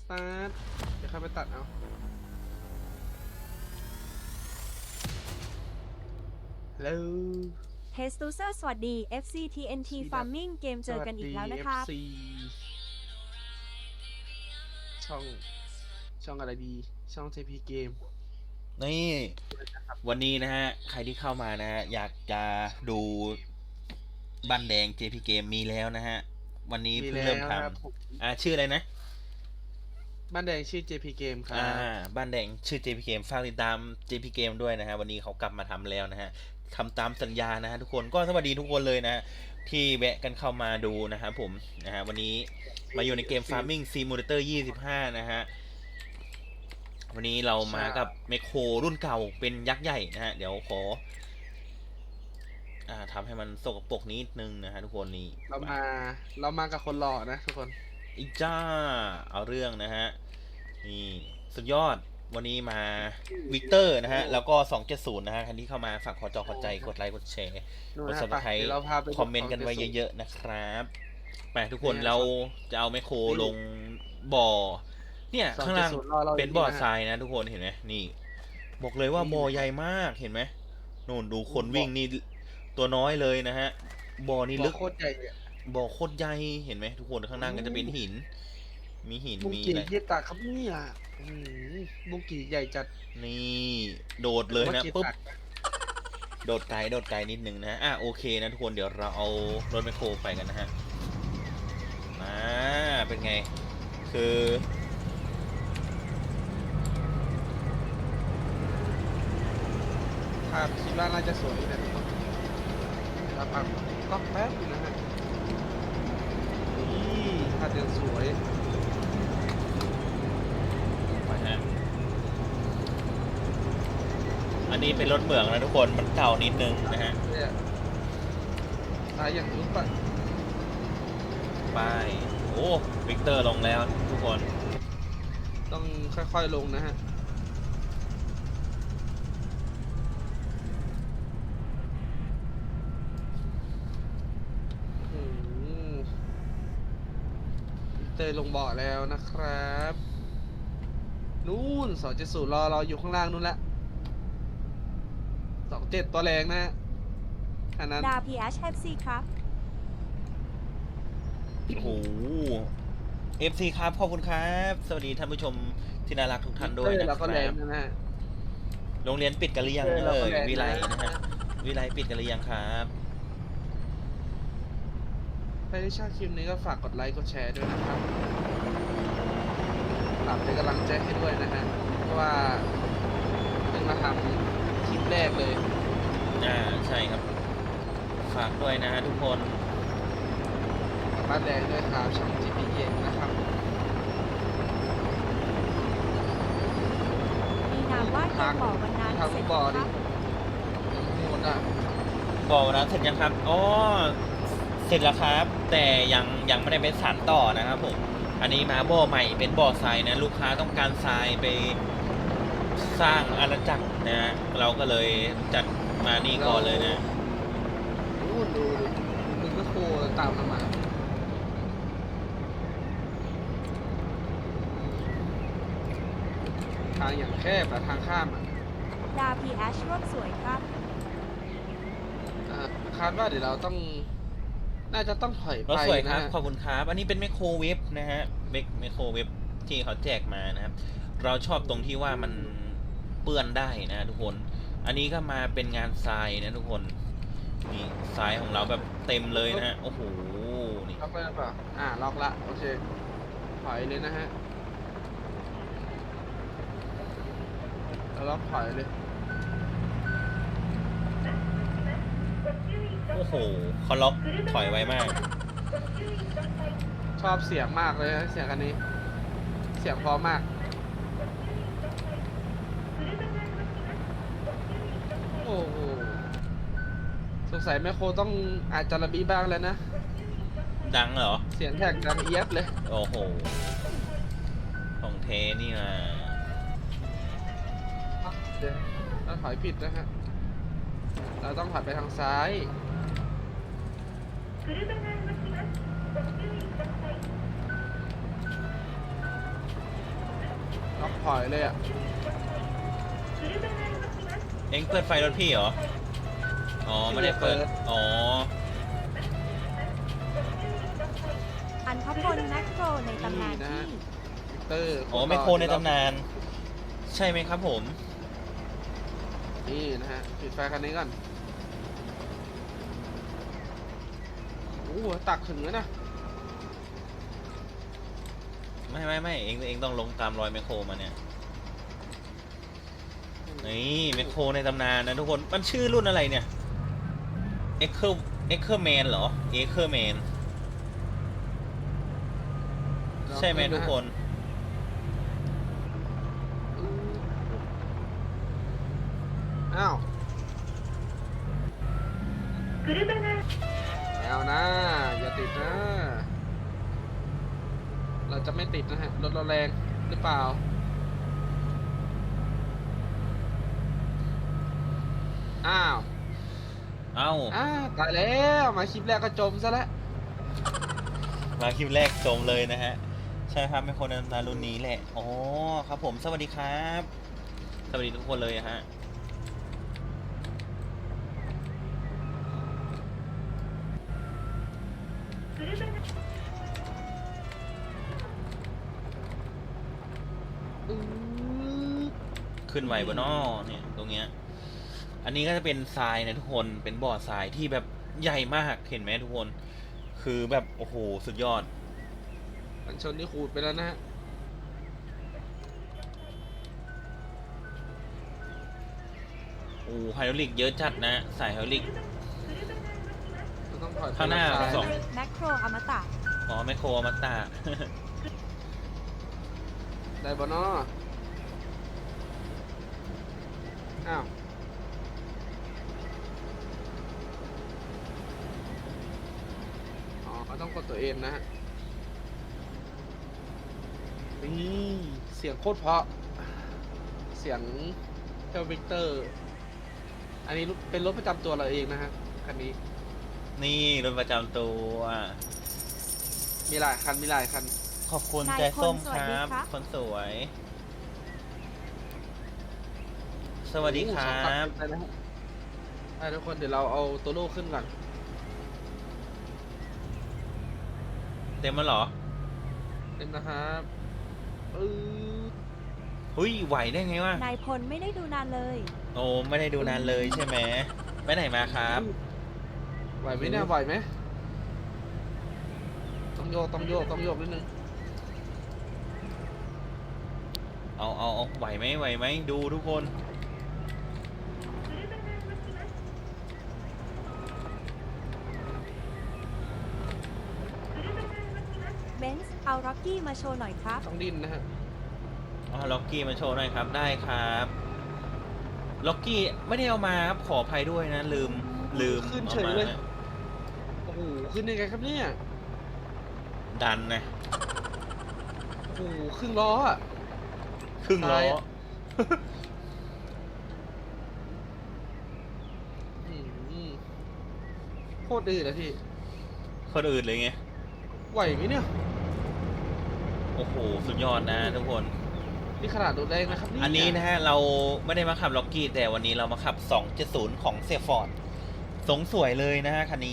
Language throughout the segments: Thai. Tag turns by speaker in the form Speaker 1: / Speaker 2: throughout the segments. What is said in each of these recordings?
Speaker 1: ตัดเดี๋ยวเข้าไปตัดเอาแล้ว
Speaker 2: เทสตูเซอร์สวัสดี FCTNT Farming เกมเจอกันอีกแล้วนะครับ
Speaker 1: สวัสดี FC ช่องอะไรดีช่อง JP Game
Speaker 3: นี่วันนี้นะฮะใครที่เข้ามานะฮะอยากจะดูบ้านแดง JP Game มีแล้วนะฮะวันนี้เพิ่งเริ่มทำชื่ออะไรนะ
Speaker 1: บ้านแดงชื่อ JP Game ครับ
Speaker 3: บ้านแดงชื่อ JP Game ฝากติดตาม JP Game ด้วยนะฮะวันนี้เขากลับมาทำแล้วนะฮะทำตามสัญญานะฮะทุกคนก็สวัสดีทุกคนเลยนะที่แวะกันเข้ามาดูนะฮะผมนะฮะวันนี้มาอยู่ในเกม Farming Simulator 25นะฮะวันนี้เรามากับเมคโครรุ่นเก่าเป็นยักษ์ใหญ่นะฮะเดี๋ยวขอทำให้มันสกปรกนิดนึงนะฮะทุกคนนี่
Speaker 1: เรามากับคนหล่อนะทุกคน
Speaker 3: อีจ้าเอาเรื่องนะฮะนี่สุดยอดวันนี้มาวิกเตอร์นะฮะแล้วก็270นะฮะคันที่เข้ามาฝากขอใจกดไลค์กดแชร์กดซับสไครต์คอมเมนต์กันไว้เยอะๆนะครับไปทุกคนเราจะเอาไมโครลงบ่อเนี่ยข้างล่างเป็นบ่อทรายนะทุกคนเห็นไหมนี่บอกเลยว่าบ่อใหญ่มากเห็นไหมนู่นดูคนวิ่งนี่ตัวน้อยเลยนะฮะบ่อนี่ลึก
Speaker 1: โคตรใหญ่
Speaker 3: บ่อโคตรใหญ่เห็นไหมทุกคนข้างล่างก็จะเป็นหินมีหินมี
Speaker 1: อะไรบุกี้ตาครับเนี่ยบุกี้ใหญ่จัด
Speaker 3: นี่โดดเลยนะปุ๊บโดดไกลนิดนึงนะโอเคนะทุกคนเดี๋ยวเราเอารถแมคโครไปกันนะฮะเป็นไงคือ
Speaker 1: ภาพคิดว่าน่าจะสวยนะทุกคนเราปักก็แป๊บนะฮะนี่ภาพยังสวย
Speaker 3: ไปฮะอันนี้เป็นรถเหมืองนะทุกคนมันเก่านิดนึงนะฮะ
Speaker 1: ตายอย่างนี้ปะ
Speaker 3: ไปโอ้วิกเตอร์ลงแล้วทุกคน
Speaker 1: ต้องค่อยๆลงนะฮะเตยลงบ่อแล้วนะครับนู่น270รอเราอยู่ข้างล่างนู่นละ27ตัวแรงนะอันนั้น
Speaker 2: ดา PHFC ครับ
Speaker 3: โอ้โห FC ครับขอบคุณครับสวัสดีท่านผู้ชมที่น่ารักทุกท่านด้วยนะครับโรงเรียนปิดกันหรือยังเลยวิไลนะฮะวิไลปิดกันหรือยังครับ
Speaker 1: ใครที่ชอบคลิปนี้ก็ฝากกดไลค์กดแชร์ด้วยนะครับฝากเป็นกำลังใจให้ด้วยนะฮะเพราะว่าเพิ่งมาทำคลิปแรกเลย
Speaker 3: ใช่ครับฝากด้วยนะฮะทุกคน
Speaker 1: บ้านแดงด้วยครับช่อง JP Game นะครับ
Speaker 2: มีนามว่าเกมบ่อวันนั้นเสร็จ
Speaker 1: บ่อดิหมด
Speaker 3: บ่อวันนั้นเสร็จยังครับอ๋อเสร็จแล้วครับแต่ยังไม่ได้เป็นสานต่อนะครับผมอันนี้มาบ่อใหม่เป็นบ่อทรายนะลูกค้าต้องการทรายไปสร้างอาณาจักรนะเราก็เลยจัดมานี่ก่อนเลยนะ
Speaker 1: ดูมึงก็โคตามมาทางอย่างแคบอะทางข้ามอะ
Speaker 2: ดา PH ร่วมสวยครับ
Speaker 1: คาดว่าเดี๋ยวเราต้องน่าจะต้องถอยไป
Speaker 3: รถสวยครับขอบคุณครับอันนี้เป็นไมโครเวฟนะฮะไมโครเวฟที่เขาแจกมานะครับเราชอบตรงที่ว่ามันเปื้อนได้นะทุกคนอันนี้ก็มาเป็นงานทรายนะทุกคนนี่ทรายของเราแบบเต็มเลยนะฮะโอ้โหนี่
Speaker 1: ล็อกเลยป่ะล็อกละโอเคถอยเลยนะฮะล็อกถอยเลย
Speaker 3: โอ้โหเขาล็อกถอยไวมาก
Speaker 1: ชอบเสียงมากเลยเสียงอันนี้เสียงพอมากโอ้โหสงสัยแม่โคต้องอาจจะระบีบ้างแล้วนะ
Speaker 3: ดังเหรอ
Speaker 1: เสียงแท็กดังเอียดเลย
Speaker 3: โอ้โหของเทนี่นะ
Speaker 1: เดี๋ยวเราถอยผิดนะฮะเราต้องถอยไปทางซ้ายถอยเลยอ่ะ
Speaker 3: เอ็งเปิดไฟรถพี่เหรอ อ๋อไม่ได้เปิด อ๋อ
Speaker 2: อันพพลแมคโครในตำนาน
Speaker 1: นี่นะ
Speaker 2: ที่
Speaker 1: ฮะ เตอร์
Speaker 3: อ๋อไมโครในตำนาน ใช่ไหมครับผม
Speaker 1: นี่นะฮะปิดไฟคันนี้ก่อนโอ้โหตักถึงแล้วนะ
Speaker 3: ไม่เอ็งต้องลงตามรอยไมโครมาเนี่ย นี่ไมโครในตำนานนะทุกคน มันชื่อรุ่นอะไรเนี่ย เอ็กเคอร์แมนเหรอ เอ็กเคอร์แมน ใช่ไหมทุกคน
Speaker 1: อ้าวเอานะ อย่าติดนะ เราจะไม่ติดนะฮะ รถเราแรงหรือเปล่า อ้าว
Speaker 3: เอ้า
Speaker 1: ตายแล้วมาคลิปแรกก็จมซะแล้ว
Speaker 3: มาคลิปแรกจมเลยนะฮะ ใช่ครับไมโครในตำนานรุ่นนี้แหละ อ๋อครับผม สวัสดีครับ สวัสดีทุกคนเลยฮะ ขึ้นไหวบนนอเนี่ยตรงเนี้ย อันนี้ก็จะเป็นทรายนะทุกคน เป็นบ่อทรายที่แบบใหญ่มาก เห็นไหมทุกคน คือแบบโอ้โหสุดยอด
Speaker 1: กันชนนี่ขูดไปแล้วนะฮะ
Speaker 3: โอ้ไฮดรอลิกเยอะจัดนะสายไฮดรอลิก
Speaker 1: เราต้องถอยไป
Speaker 3: ข้างหน้า
Speaker 1: ซ้ย
Speaker 3: สอง
Speaker 2: แมคโครอมตะ
Speaker 3: อ๋อไมโครอมาตา
Speaker 1: ได้บอนออ้าวอ๋อต้องกดตัวเองนะฮะ นี่เสียงโคตรเพราะ เสียงเจ้าวิกเตอร์ อันนี้เป็นรถประจำตัวเราเองนะฮะ คันนี้
Speaker 3: นี่รถประจำตัว
Speaker 1: มีหลายคัน มีหลายคัน
Speaker 3: ขอบคุณ
Speaker 2: นาย
Speaker 3: ใจส้ม
Speaker 2: พล
Speaker 3: ค
Speaker 2: สวัสดี
Speaker 3: รับ
Speaker 2: ครับ
Speaker 3: คนสวย สวัสดีครั
Speaker 1: โอ้โหสอง
Speaker 3: บ
Speaker 1: คันไปแล้วไปทุกคนเดี๋ยวเราเอาตัวโล่ขึ้นก่อน
Speaker 3: เต็มแล้วเหรอ
Speaker 1: เต็มนะครับอ
Speaker 3: หุยไหวได้ไงวะ
Speaker 2: นายพลไม่ได้ดูนานเลย
Speaker 3: โอ้ไม่ได้ดูนานเลยใช่ไหมไปไหนมาครับ
Speaker 1: ไหวไหมเนี่ยไหวไหมต้องโยกต้องโยกต้องโยกนิดนึง
Speaker 3: เอาไหวไหมดูทุกคน
Speaker 2: เบนซ์เอาร็อกกี้มาโชว์หน่อยครับ
Speaker 1: ต้องดิ้นนะฮะ
Speaker 3: อ๋อล็อกกี้มาโชว์หน่อยครับได้ครับล็อกกี้ไม่ได้เอามาครับขออภัยด้วยนะลืม
Speaker 1: ขึ้น
Speaker 3: เอา
Speaker 1: เฉย
Speaker 3: มา
Speaker 1: เลย โอ้โหขึ้นยังไงครับเนี่ย
Speaker 3: ดันนะ
Speaker 1: โอ้โหครึ่งล้ออ่ะ
Speaker 3: ครึ่งล้อ
Speaker 1: ซ้ายอะ อืมโคตรดื้อเลยพี่
Speaker 3: คนอื่นเลยไง
Speaker 1: ไหวไหมเนี่ย
Speaker 3: โอ้โหสุดยอดนะทุกคน
Speaker 1: นี่ขนาดรถแรงนะครับเนี่ย
Speaker 3: อันนี้นะฮะเราไม่ได้มาขับล็อกกี้แต่วันนี้เรามาขับ 270 ของเสียฟอร์ดสงสวยเลยนะฮะคันนี้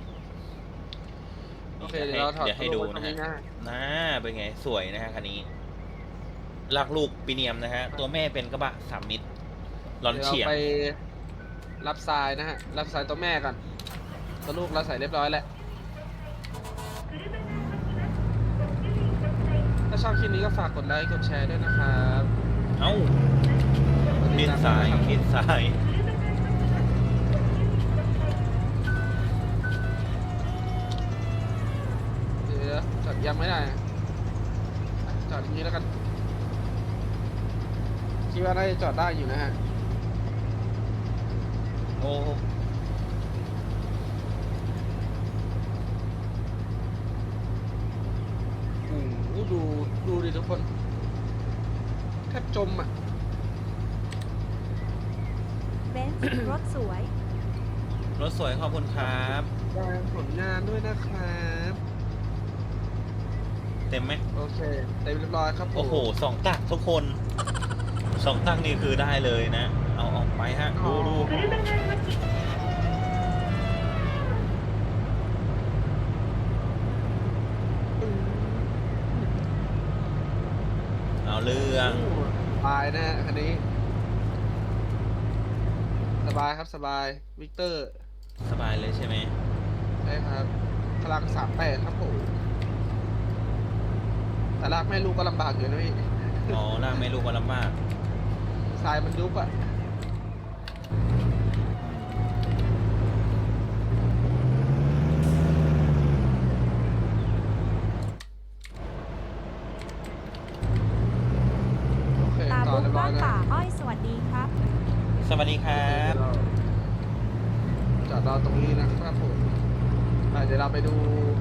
Speaker 1: โอเคเดี๋ยวเราถอด
Speaker 3: เดี๋ยวให้ดู
Speaker 1: ตัว
Speaker 3: นะ
Speaker 1: ไว้ตรง
Speaker 3: ฮะ
Speaker 1: นะ
Speaker 3: น่าเป็นไงสวยนะฮะคันนี้ลักลูกปีเนียมนะฮะตัวแม่เป็นกระบะ3 มิตรลอน
Speaker 1: เดี๋ยว
Speaker 3: เฉียง
Speaker 1: เราไปรับทรายนะฮะ รับทรายตัวแม่ก่อนตัวลูกเราใส่เรียบร้อยแล้ว ถ้าชอบคลิปนี้ก็ฝากกดไลค์ กดแชร์ด้วยนะครับ
Speaker 3: เอ้าเลียนซ้ายเลียนซ้าย
Speaker 1: เดี๋ยวจอดยังไม่ได้จอดอย่างนี้แล้วกัน คิดว่าน่าจะจอดได้อยู่นะฮะ
Speaker 3: โอ้
Speaker 1: โอ้โหดูดิทุกคนแทบจมอ่ะ
Speaker 2: เบนซ์ รถสวย
Speaker 3: รถสวยขอบคุณครับ
Speaker 1: แสดงผลงานด้วยนะครับ
Speaker 3: เต็มไหม
Speaker 1: โอเคเต็มเรียบร้อยครับผม
Speaker 3: โอ้โห2 ตักทุกคน2 ตักนี่คือได้เลยนะ เอาออกไปฮะ ดูดูเอาเรื่อง
Speaker 1: สบายนะฮะคันนี้ สบายครับสบายวิกเตอร์
Speaker 3: สบายเลยใช่ไหม
Speaker 1: ใช่ครับพลัง38ครับผมแต่ลากแม่ลูกก็ลำบากอยู่นะพี่
Speaker 3: อ๋อล่างไม่รู้ว่าลำบาก
Speaker 1: ทรายมันยุบอะโอเค
Speaker 2: ตา
Speaker 1: ต่อ
Speaker 2: บุ๊ก
Speaker 1: เรียบร้อ
Speaker 2: บ้าย น
Speaker 1: นะ
Speaker 2: ป่าอ้อยสวัสดีครับ
Speaker 3: สวัสดีครับ
Speaker 1: จอดรอตรงนี้นะครับผมเดี๋ยวเราไปดู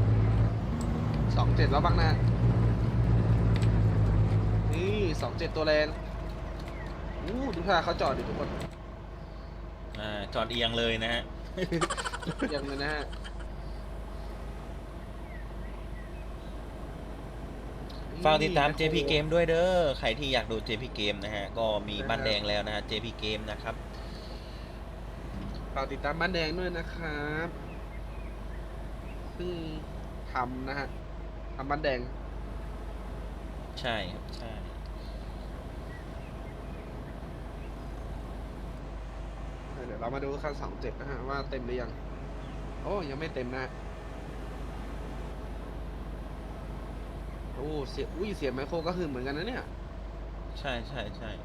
Speaker 1: 27แล้วบ้างนะนี่27ตัวแรงดูท่าเขาจอดดิทุกคน
Speaker 3: จอดเอียงเลยนะฮะ
Speaker 1: ยังเลยนะฮะ
Speaker 3: ฝากติดตาม JP Game ด้วยเด้อ ใครที่อยากดู JP Game นะฮะ ก็มีบ้านแดงแล้วนะฮะ JP Game นะครับ
Speaker 1: ฝากติดตามบ้านแดงด้วยนะครับเพิ่งทำนะฮะทำบ้านแดง
Speaker 3: ใช่ครับ ใช่
Speaker 1: เดี๋ยวเรามาดูคัน27นะฮะว่าเต็มหรือยังโอ้ยังไม่เต็มนะโอ้เสียเสียงไมโครก็คือเหมือนกันนะเนี่ย
Speaker 3: ใช่ใช่ใช่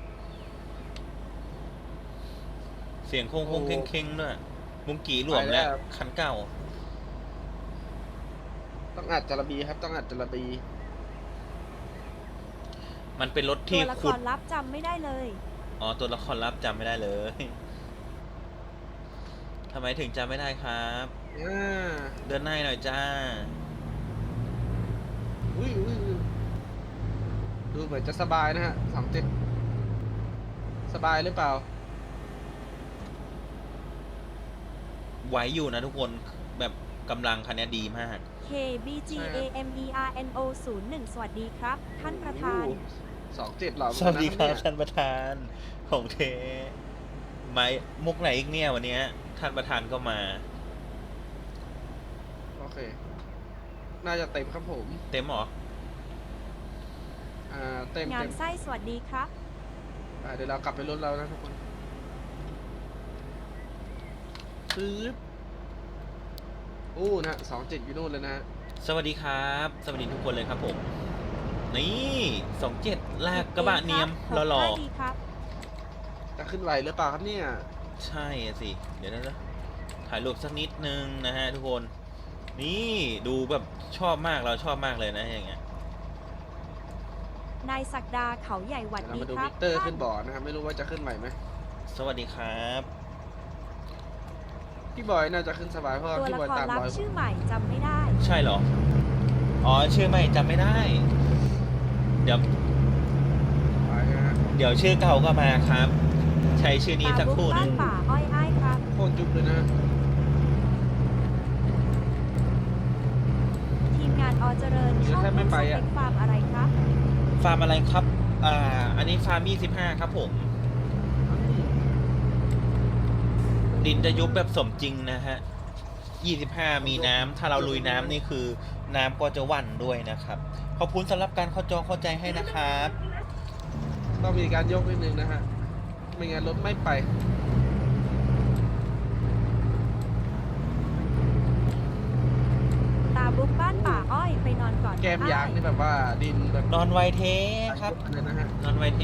Speaker 3: เสียงโค้ง
Speaker 1: โอ้
Speaker 3: ๆเค้งๆด้วยมุงกี่หลวมแล้ว
Speaker 1: ไปแล้ว
Speaker 3: คันเก่า
Speaker 1: ต้องอัดจระบีครับต้องอัดจระบี
Speaker 3: มันเป็นรถ
Speaker 2: ตั
Speaker 3: ที่
Speaker 2: วละค
Speaker 3: ขุด
Speaker 2: รลับจำไม่ได้เลย
Speaker 3: อ๋อ ตัวละครลับจำไม่ได้เลย ทำไมถึงจำไม่ได้ครับ
Speaker 1: อ่า
Speaker 3: เดินหน้าหน่อยจ้า
Speaker 1: อุ้ยดูเหมือนจะสบายนะฮะ27สบายหรือเปล่า
Speaker 3: ไหวอยู่นะทุกคน แบบกำลังคันนี้ดีมาก
Speaker 2: K B G A M E R N O 01สวัสดีครับ ท่านประธาน
Speaker 1: 27เหล่า
Speaker 3: สวัสดีครับ
Speaker 1: เนี่ย
Speaker 3: ท่านประธานของเทไม่มุกไหนอีกเนี่ยวันเนี้ยท่านประธานก็มา
Speaker 1: โอเค น่าจะเต็มครับผม
Speaker 3: เต็มเหรอ
Speaker 1: เต็ม
Speaker 2: งามไส้สวัสดีครับ
Speaker 1: เดี๋ยวเรากลับไปรถเรานะทุกคนปึ๊บนะฮะ27อยู่นู่นเลยนะฮะ
Speaker 3: สวัสดีครับ สวัสดีทุกคนเลยครับผม นี่27ลากกระบะเนียมหล่อ
Speaker 2: ดีครับ
Speaker 1: จะขึ้นไหวหรือเปล่าครับเนี่ย
Speaker 3: ๆใช่สิ เดี๋ยวนะถ่ายรูปสักนิดนึงนะฮะทุกคน นี่ดูแบบชอบมากเราชอบมากเลยนะอย่างเงี้ย
Speaker 2: นายศักดาเขาใหญ่หวัด
Speaker 1: เดี๋ยวเรา
Speaker 2: ดี
Speaker 1: มาดู
Speaker 2: ครั
Speaker 1: วิ
Speaker 2: บ
Speaker 1: กเตอร์
Speaker 2: ท่า
Speaker 1: ขึ้
Speaker 2: น
Speaker 1: นบ่อนะครับไม่รู้ว่าจะขึ้นไหวไหม
Speaker 3: สวัสดีครับ
Speaker 1: พี่บอยน่าจะขึ้นสบายเพราะว่า
Speaker 2: ตัว
Speaker 1: พี่
Speaker 2: ละ
Speaker 1: บอย
Speaker 2: คร
Speaker 1: ตาม
Speaker 2: ลับ
Speaker 1: รอยผม
Speaker 2: ชื่อใหม่จำไม่ได้
Speaker 3: ใช่เหรอ อ๋อชื่อใหม่จำไม่ได้ เดี๋ยว
Speaker 1: ไปนะฮะ
Speaker 3: เดี๋ยวชื่อเก่าก็มาครับ ใช้ชื่อนี้
Speaker 2: ตา
Speaker 3: สักค
Speaker 2: บุ๊ก
Speaker 3: รู่ห
Speaker 2: บ้า
Speaker 3: นึ
Speaker 2: น
Speaker 3: ง
Speaker 2: ป่าอ้อยอ้ายครับ
Speaker 1: โคตรจุ๊บเลยนะ
Speaker 2: ทีมงานอเจริญชอบเล่นสเปคฟาร์มอะไรครับ
Speaker 3: ฟาร์มอะไรครับ อันนี้ฟาร์ม25ครับผม ดินจะยุบแบบสมจริงนะฮะ 25 มีน้ำ ถ้าเราลุยน้ำนี่คือน้ำก็จะหวั่นด้วยนะครับ ขอบคุณสำหรับการเข้าจอเข้าใจให้นะครับ
Speaker 1: ต้องมีการยกนิดนึงนะฮะไม่งั้นรถไม่ไป
Speaker 2: ตาบุ๊กบ้านป่าอ้อยไปนอนก่อน
Speaker 1: แก้มยางนี่แบบว่าดินแบบ
Speaker 3: นอนไวเทครับ
Speaker 1: เลยนะฮะ
Speaker 3: นอนไวเท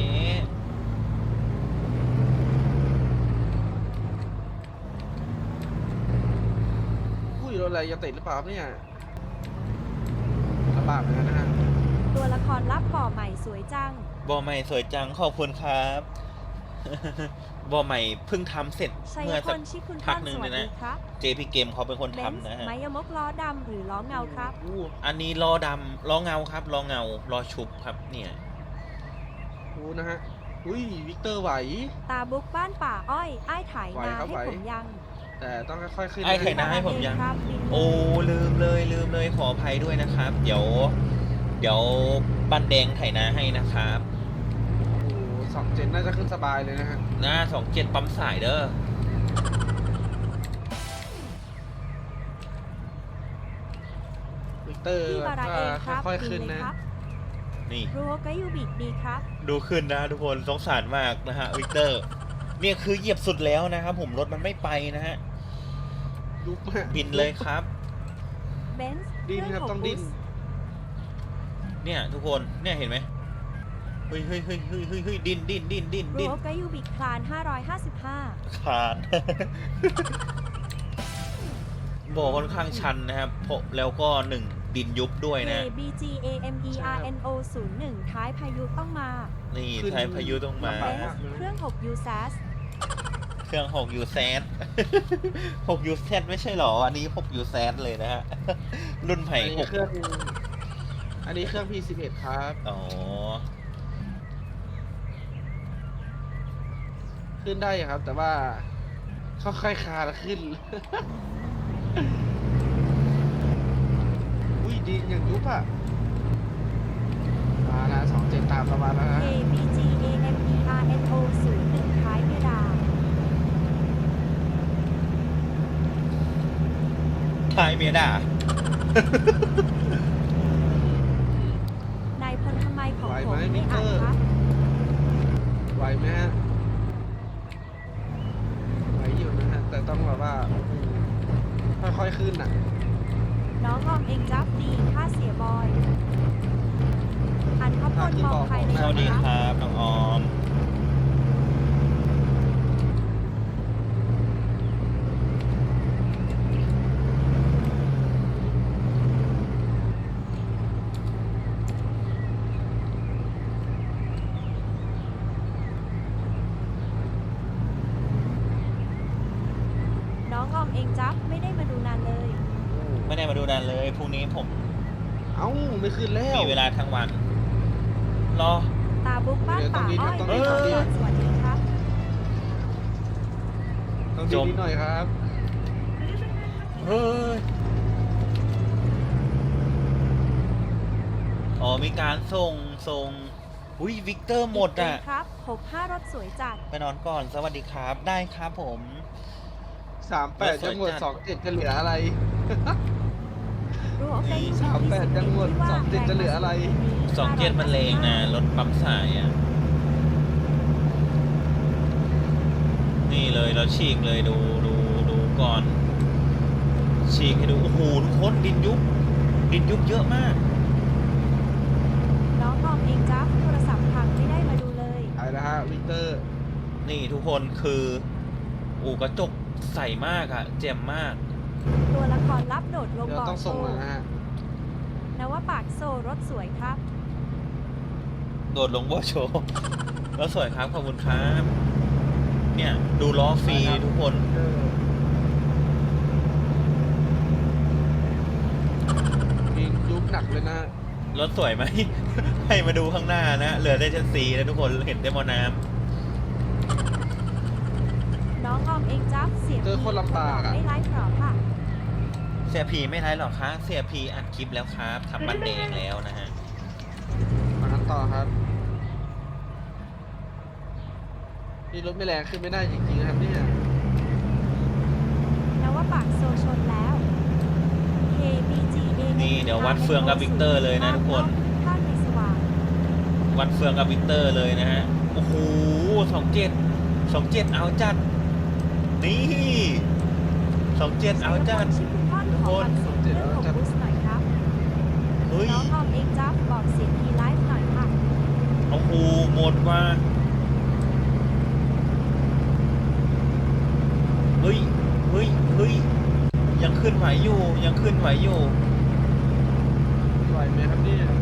Speaker 1: อุ้ยรถอะไรจะติดหรือเปล่าครับเนี่ยลำบากเหมือนกันนะฮะ
Speaker 2: ตัวละครลับบ่อใหม่สวยจัง
Speaker 3: บอใหม่สวยจังขอบคุณครับ บอใหม่เพิ่งทำเสร็จ
Speaker 2: ชัย
Speaker 3: เมื่อ
Speaker 2: พ
Speaker 3: สัก
Speaker 2: ลชิคุณ
Speaker 3: พั
Speaker 2: ท่าก น
Speaker 3: หนึ่ง
Speaker 2: สวั
Speaker 3: เล
Speaker 2: ส
Speaker 3: ย
Speaker 2: ดี
Speaker 3: นะ
Speaker 2: ครับ
Speaker 3: JP Game เขาเป็นคน
Speaker 2: เบน
Speaker 3: ทำ
Speaker 2: ซ์
Speaker 3: นะฮะ
Speaker 2: ไมยมกล้อดำหรือล้อเงาครับ
Speaker 3: อันนี้ล้อดำล้อเงาครับล้อเงาล้อชุบครับเนี่ย
Speaker 1: นะฮะอุ้ยวิกเตอร์ไหว
Speaker 2: ตาบุ๊กบ้านป่าอ้อยอ้ายถ่าย
Speaker 1: ไหว
Speaker 2: นา
Speaker 1: ครับ
Speaker 2: ให้
Speaker 1: ไหว
Speaker 2: ผมยัง
Speaker 1: แต่ต้องค่อยๆขึ้น
Speaker 3: ไอ้ไข่
Speaker 1: นะ
Speaker 3: น้าให้ผมยัง
Speaker 2: ครับ
Speaker 3: โอ้ลืมเลยขออภัยด้วยนะครับ เดี๋ยวเดี๋ยวบ้านแดงไถนาให้นะครับ
Speaker 1: โอ้โห2 เจนน่าจะขึ้นสบายเลยนะฮะ
Speaker 3: หน้า27ปั๊มสายเด้อ
Speaker 1: วิกเตอร์
Speaker 2: พี่บาราเองครับ
Speaker 1: ค่อย
Speaker 2: ดี
Speaker 1: ๆขึ้น
Speaker 2: เลย
Speaker 1: นะครับ
Speaker 3: นี่
Speaker 2: รัวกายูบิดีครับ
Speaker 3: ดูขึ้นนะทุกคนสงสารมากนะฮะวิกเตอร์เนี่ยคือเหยียบสุดแล้วนะครับผมรถมันไม่ไปนะฮะ
Speaker 1: ยุบมาก
Speaker 3: บินเลยครับ
Speaker 2: เบนซ์
Speaker 1: ดิ้นครับต้องดิ้น
Speaker 3: เนี่ยทุกคนเนี่ยเห็นไหมเฮ้ยดิ้น
Speaker 2: รัวกายูบิคลาน555
Speaker 3: ขาด บอกค่อนข้างชันนะครับแล้วก็1ดินยุบด้วยนะ
Speaker 2: KBGAMERNO 01ท้ายพายุต้องมา
Speaker 3: นี่ไทยพายุต้องมา
Speaker 2: เบนซ์เครื่อง6 u s a s
Speaker 3: เครื่อง6 u z 6 u z ไม่ใช่หรออันนี้6 u z เลยนะฮะ รุ่นไผ่
Speaker 1: อันนี้เครื่องอันนี้เครื่อง P11 ครับ
Speaker 3: อ๋อ
Speaker 1: ขึ้นได้ครับ แต่ว่าค่อยๆคลานขึ้น อุ้ยดีอย่างยุบอ่ะมาละ2 เจนตามประมาณแล้วนะ
Speaker 2: KBGAMERNO 01ท้ายเพดาน
Speaker 3: ทายเมียด่า
Speaker 2: นายพลทำไมของ
Speaker 1: ไหว
Speaker 2: ผ
Speaker 1: ไหม
Speaker 2: ม
Speaker 1: มิ
Speaker 2: ไม่
Speaker 1: เต
Speaker 2: อ่า
Speaker 1: อน ร์
Speaker 2: ครับ
Speaker 1: ไหวไหมฮะไหวอยู่นะฮะแต่ต้องแบบว่าค่อยๆขึ้นอ่ะ
Speaker 2: น้องออมเองจับดีค่าเสียบอย อันข้าวโพดมองใครใน
Speaker 3: สวัสดี
Speaker 2: นะ
Speaker 3: ค
Speaker 2: ครับ
Speaker 3: รับน้องออม
Speaker 2: น้องออมเองจับไม่ได้มาดูนานเลย
Speaker 3: ไม่ได้มาดูนานเลยพรุ่งนี้ผม
Speaker 1: เอ้าไม่ขึ้นแล้ว
Speaker 3: มีเวลาทั้งวัน รอ
Speaker 2: ตาบุ๊กบ้านป่าอ้อย
Speaker 1: ต้อง
Speaker 3: ดิ้น
Speaker 2: สวัสดีครับ
Speaker 1: ต้อง
Speaker 3: จ
Speaker 1: ดี
Speaker 3: ม
Speaker 1: นิดหน่อยครับ
Speaker 3: เฮ้ย อ๋อ มีการส่งอุ้ยวิกเตอร์หมดอ่ะ
Speaker 2: ครับ65รถสวยจัด
Speaker 3: ไปนอนก่อน สวัสดีครับ ได้ครับผม
Speaker 1: 38 จะหมด 27 จะเหลืออะไร
Speaker 2: รู้โอเค
Speaker 1: 38จะหมด27จะเหลืออะไร
Speaker 3: 27มันเลงนะ รถปั๊มสายอ่ะ นี่เลยเราฉีกเลยดูก่อน ฉีกให้ดู โอ้โหทุกคนดินยุบเยอะมาก
Speaker 2: น้องออมเองจับโทรศัพท์พังไม่ได้มาดูเลย
Speaker 1: ไปแล้วฮะวิกเตอร์
Speaker 3: นี่ทุกคนคืออูกระจกใสมากอะเจ็มมาก
Speaker 2: ตัวละครลับโดดลง
Speaker 1: เดี๋ยว
Speaker 2: บ่อ
Speaker 1: ต้อง
Speaker 2: โซ
Speaker 1: ส่งแล้วนะฮะ
Speaker 2: นว่าปากโซรถสวยครับ
Speaker 3: โดดลงบ่อโชว์ แล้วสวยครับ ขอบคุณครับ เนี่ยดูล้อฟรีทุกคน
Speaker 1: มียุบหนักเลยนะ
Speaker 3: รถสวยไหม ให้มาดูข้างหน้านะ เหลือได้ชั้น4แล้วทุกคนเห็นได้มอน้
Speaker 2: น้องออมเองจับเสียง
Speaker 1: เจอคนลำบากอะ
Speaker 2: ไม่ไลฟ์หรอค่ะ
Speaker 3: ำเสียพีไม่ไรหรอกครับเสียพีอัดคลิปแล้วครับทำบันเดงแล้วนะฮะ
Speaker 1: มากันต่อครับนี่รถไม่แรงขึ้นไม่ได้จริงๆนะครับเนี่ย
Speaker 2: นว่าปากโซชนแล้ว KBGA
Speaker 3: นี่เดี๋ยววัดเฟืองกับวิกเตอร์เลยนะทุกคน
Speaker 2: ข้างในสว่าง
Speaker 3: วัดเฟืองกับวิกเตอร์เลยนะฮะ โอ้โห27เอาจัด นี่27เอาจัด
Speaker 2: ชื่อคุณพ่อขอความสุขเรื่องของบูสหน่อยครับ
Speaker 3: เฮ้ย
Speaker 2: น้องออมเองจับบอกเสียงทีไลฟ์หน่อยค่ะ
Speaker 3: โอ้โหหมดว่าเฮ้ยยังขึ้นไหวอยู่
Speaker 1: ไหวไหมครับเนี่ย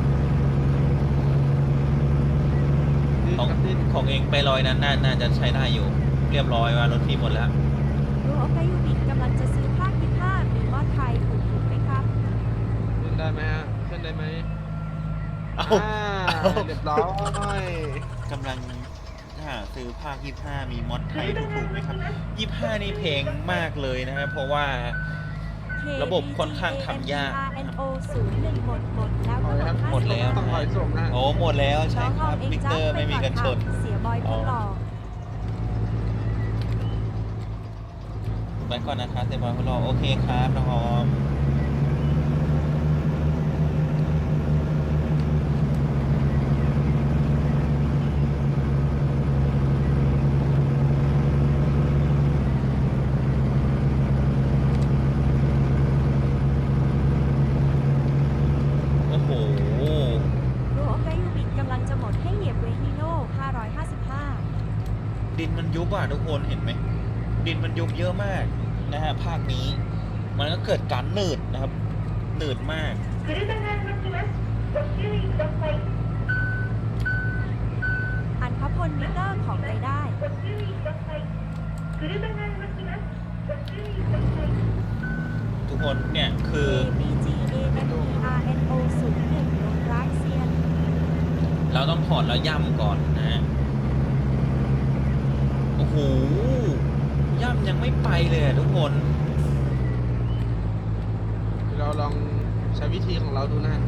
Speaker 1: ดิ้น
Speaker 3: ของ
Speaker 1: ครับดิ้น
Speaker 3: ของเองไปลอยนั้นน่าจะใช้ได้อยู่ เรียบร้อยว่ารถพี่หมดแล้ว
Speaker 2: รู้โอเคยูบิกำลังจะซื้อผ้าคิดผ้ามีมอดไทยถูกไหมครับ
Speaker 1: ขึ้นได้ไหมฮะขึ้นได้ไหม
Speaker 3: เอา
Speaker 1: เรียบร้อย
Speaker 3: กำลังหาซื้อภาค25มีมอดไทยถูกๆไหมครับ25นี่เพลงมากเลยนะฮะเพราะว่าระบบค่อนข้างทำยากนะครับ
Speaker 2: KBGAMERNO 01แล้วก็
Speaker 1: ถอยครับ
Speaker 3: หมดแล้ว
Speaker 1: ต้องถอยส่งนะ
Speaker 3: โอ้หมดแล้ว
Speaker 2: น้
Speaker 3: ใช่
Speaker 2: อง
Speaker 3: ค
Speaker 2: ออ
Speaker 3: รับ
Speaker 2: มเอง
Speaker 3: วิก
Speaker 2: จ้า
Speaker 3: เตอร์
Speaker 2: ไป
Speaker 3: ไม่มี
Speaker 2: ก่อน
Speaker 3: กันช
Speaker 2: ค่ะ
Speaker 3: น
Speaker 2: เสียบอยคนหล่อ
Speaker 3: ไปก่อนนะครับเซบอยคนรอโอเคครับน้องออมโอ้โห
Speaker 2: รูโอกายูบิกำลังจะหมดให้เหยียบเวฮิโน่555
Speaker 3: ดินมันยุบอ่ะทุกคนเห็นไหมดินมันยุบเยอะมากนะฮะภาคนี้มันก็เกิดการหนืดนะครับหนืดมาก
Speaker 2: อันพพลมิเตอร์ของไปได้
Speaker 3: ทุกคนเนี่ยคือ
Speaker 2: KBGAMERNO 01ลงรักเซียน
Speaker 3: เราต้องถอดแล้วย่ำก่อนนะฮะโอ้โหย่ำยังไม่ไปเลยอะทุกคน
Speaker 1: เราลองใช้วิธีของเราดูนะฮะ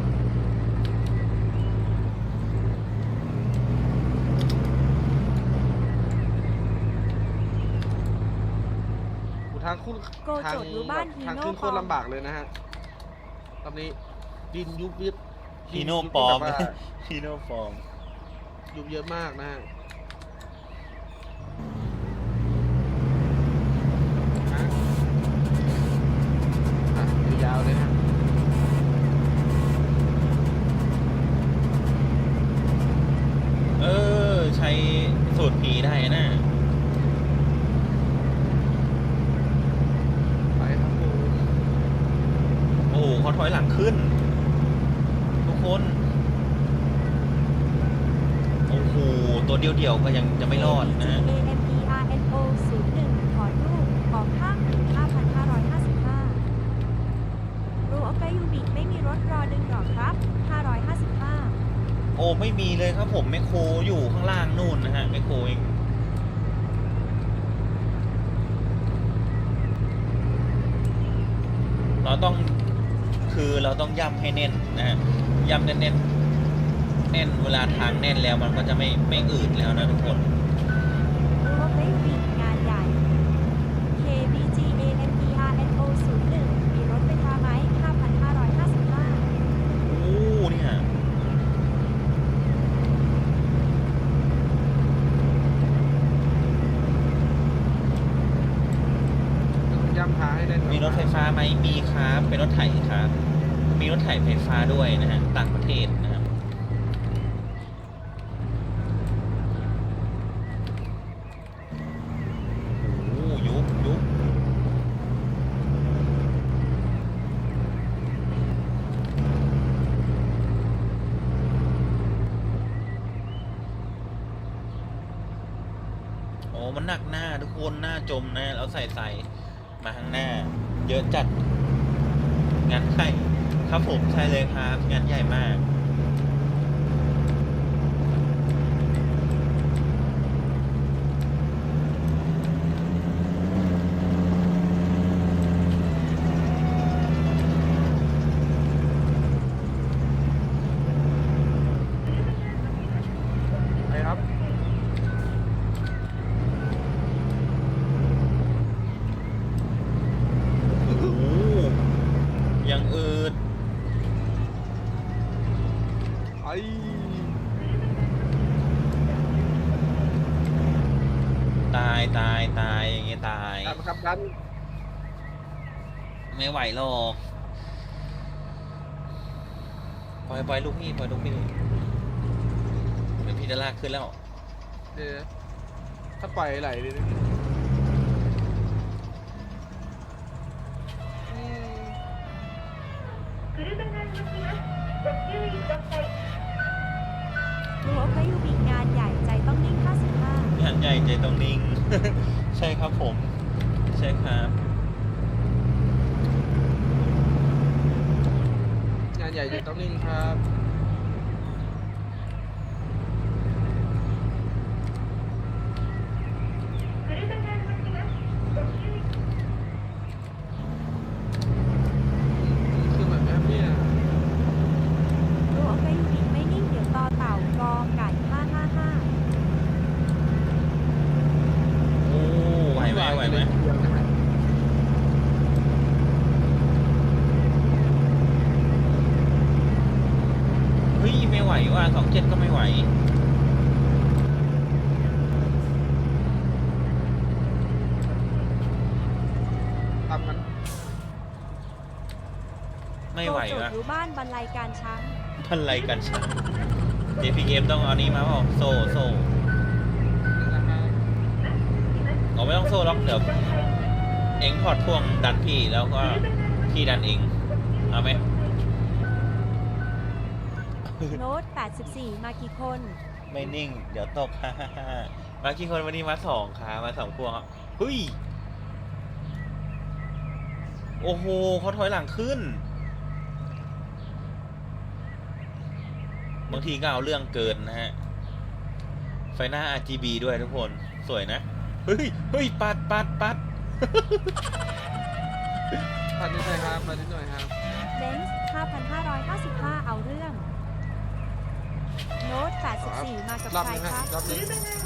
Speaker 1: ทางขึ้น
Speaker 2: โกโจทย์รู้บ้านฮีโน่
Speaker 1: ทางขึ้นโคตรลำบากเลยนะฮะตอนนี้ดินยุบยิบ
Speaker 3: ฮีโน่ปลอม
Speaker 1: แบบว่า
Speaker 3: ฮีโน่ปลอม
Speaker 1: ยุบเยอะมากนะฮะยาวๆเลยฮะ
Speaker 3: ใช้สูตรผีได้นะ
Speaker 1: ไปครับผม
Speaker 3: โอ้โหเขาถอยหลังขึ้น ทุกคน โอ้โห ตัวเดียวๆก็ยังจะไม่รอดนะ
Speaker 2: KBGAMERNO 01ถอนรูปออกข้าง5,555 รูโอกายูบิไม่มีรถรอดึงหรอครับ 555
Speaker 3: โอ้ไม่มีเลยครับผมแมคโครอยู่ข้างล่างนู่นนะฮะแมคโครเองเราต้องย่ำให้แน่นนะฮะย่ำแน่นแน่นเวลาทางแน่นแล้วมันก็จะไม่อืดแล้วนะทุกคน
Speaker 2: รูโอกายูบิงานใหญ่ KBGAMERNO 01มีรถไฟฟ้าไหม 5,555
Speaker 3: โอ้เนี่ย
Speaker 1: ย่ำท้ายได้
Speaker 3: มีรถไฟฟ้าไหมมีครับเป็นรถไถครับ มีรถไถไฟฟ้าด้วยนะฮะต่างประเทศนะครับโอ้ยุบโอ้มันหนักหน้าทุกคนหน้าจมนะแล้วใส่มาข้างหน้า เยอะจัดงานใหญ่ครับผมใช่เลยครับงานใหญ่มาก
Speaker 1: ไปครับ
Speaker 3: โอ้โหยังอืด
Speaker 1: ไอ้
Speaker 3: ตายอย่างเงี้ยตาย
Speaker 1: ดันครับดัน
Speaker 3: ไม่ไหวหรอกปล่อยลูกพี่เดี๋ยวพี่จะลากขึ้นแล้ว
Speaker 1: เดี๋ยวถ้าปล่อยไหลเลยนะอืม
Speaker 2: รูโอกายูบิงานใหญ่ใจต้องนิ่ง 55
Speaker 3: งานใหญ่ใจต้องนิ่ง ใช่ครับผม ใช่ครับ
Speaker 1: งานใหญ่จะต้องนิ่งครับ
Speaker 3: ไหว
Speaker 1: ตามกัน
Speaker 3: ไม่ไหว
Speaker 2: โจท
Speaker 3: วะ
Speaker 2: ย์รู้บ้านบรรลัยการช้าง
Speaker 3: พันไรกันช้า JPM ต้องเอานี้มาเปล่าโซ่
Speaker 1: นะครับ
Speaker 3: เอาไม่ต้องโซ่หรอกเดี๋ยวเอ็งถอดพ่วงดันพี่แล้วก็พี่ดันเองเอาไหม
Speaker 2: โน้ต84 มากี่คน
Speaker 3: ไม่นิ่ง เดี๋ยวตก ฮ่าฮ่าฮ่ามากี่คนวันนี้มา2ค่ะมา2พวงครับเฮ้ยโอ้โหเขาถอยหลังขึ้น บางทีก็เอาเรื่องเกินนะฮะ ไฟหน้า RGB ด้วยทุกคนสวยนะ เฮ้ยปัด
Speaker 1: ปัดนิดหน่อยครับปัดนิดหน่อยครับ
Speaker 2: เบนซ์5,555 เอาเรื่อง โน้ต84 มากับ
Speaker 1: รอบ
Speaker 2: ใคร
Speaker 1: นี้
Speaker 2: ค
Speaker 1: ฮะ
Speaker 2: รับ
Speaker 1: รอบนี้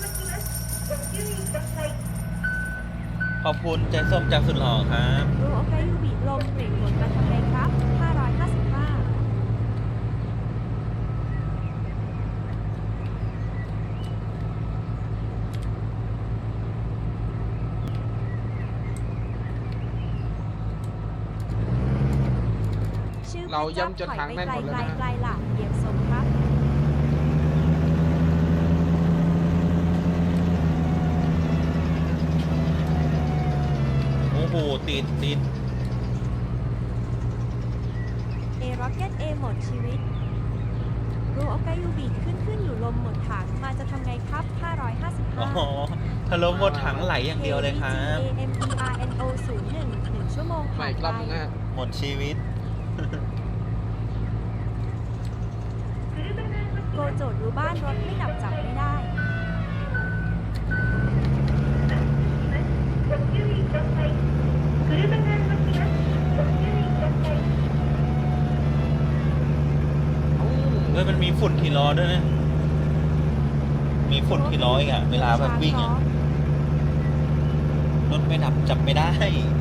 Speaker 3: ขอบคุณใจส้มจากสุดหล่อครับ
Speaker 2: รู้โอเคยูบีลมเบรกหมุนมาทำไงครับ 555 ชื่อ
Speaker 1: เราย่ำจนทางแน่นหมดเลยนะ
Speaker 2: ไกลๆหลักเหยียบสมครับ
Speaker 3: โอ้โหติด
Speaker 2: เอร็อกเก็ตเอหมดชีวิต รู้โอเคยูบีขึ้นอยู่ลมหมดถังมาจะทำไงครับ
Speaker 3: อ๋อ
Speaker 2: 555
Speaker 3: ทะลุหมดถังไหลอย่างเดียวเลยครับ
Speaker 2: KBGAMERNO 01 1 ชั่วโมง
Speaker 1: ใหม่
Speaker 2: ผ่าน
Speaker 1: อีกรอบ
Speaker 2: ไป
Speaker 1: นึงนะฮะ
Speaker 3: หมดชีวิต
Speaker 2: โกโจทย์รู้บ้านรถไม่ดับจับไม่ได้
Speaker 3: เฮ้ยมันมีฝุ่นทีล้อด้วยนะ มีฝุ่นทีล้ออีกอะเวลาแบบวิ่งอะรถไม่ดับจับไม่ได้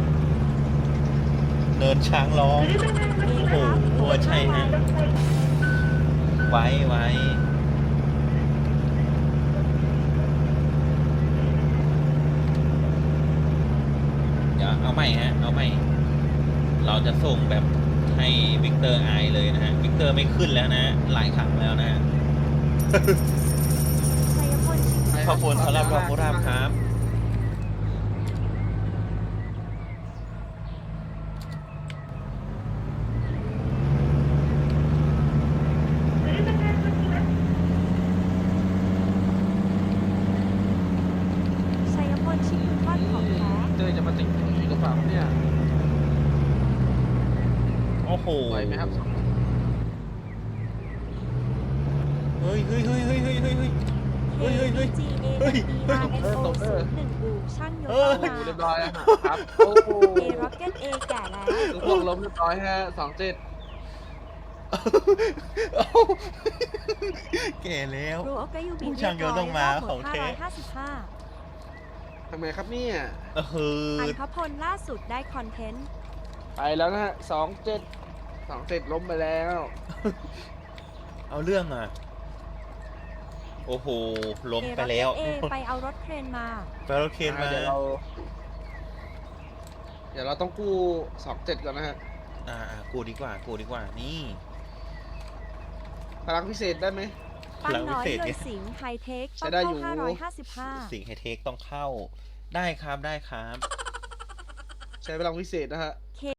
Speaker 3: เนินช้างร้อง โอ้โหใช่ฮะ ไว้เดี๋ยวเอาใหม่ฮะ เอาใหม่ เราจะส่งแบบให้วิกเตอร์อายเลยนะฮะ วิกเตอร์ไม่ขึ้นแล้วนะฮะหลายครั้งแล้วนะฮะ
Speaker 2: ชัยพลชิง
Speaker 3: ขอบคุณสำหรับดอกกุหลาบครับ
Speaker 2: ชัยพลชิงคุณทอดของแท้
Speaker 1: เจอจะมาติดอยู่อีกหรือเปล่าเนี่ย
Speaker 3: โอ้โห
Speaker 1: ไหวไหมครับ
Speaker 3: เฮ้ย
Speaker 2: KBGAMERNO 01บูช่างโย
Speaker 3: เฮ้
Speaker 2: ธาย
Speaker 1: เรียบ
Speaker 2: มา
Speaker 1: ร้อยแล้วครับ โอ้โห
Speaker 2: เอร็อกเก็ตเอแก่แล้ว
Speaker 1: ลูกพวงล้มเรียบร้อยฮะ27
Speaker 3: แก่แล้ว
Speaker 2: รู้โอเคยูบี
Speaker 3: ผู้ช่างโยธต้องมาของแท้
Speaker 2: 555
Speaker 1: ทำไงครับเนี่ย
Speaker 3: เออ
Speaker 2: อันพพลล่าสุดได้คอนเทนต์
Speaker 1: ไปแล้วนะฮะ27ล้มไปแล้ว
Speaker 3: เอาเรื่องอ่ะ โอ้โห ล้ม
Speaker 2: เอ
Speaker 3: ไป
Speaker 2: ร็อก
Speaker 3: แล้
Speaker 2: เก็
Speaker 3: ว
Speaker 2: ตเอไปเอารถเครนมา
Speaker 3: ไปรถเคนมา
Speaker 1: เดี๋ยวเราต้องกู้27ก่อนนะฮะ
Speaker 3: กูดีกว่า นี่
Speaker 1: พลังพิเศษได้ไหม
Speaker 2: ปั้นน้อย
Speaker 3: พลังวิเศษ
Speaker 2: เล
Speaker 3: ไง
Speaker 2: ยสิงห์ไฮเทค
Speaker 1: ใช้
Speaker 2: ต้อง
Speaker 1: ได้อยู่
Speaker 2: เข้า555
Speaker 3: สิ่งไฮเทคต้องเข้า ได้ครับ
Speaker 1: ใช้พลังพิเศษนะฮะ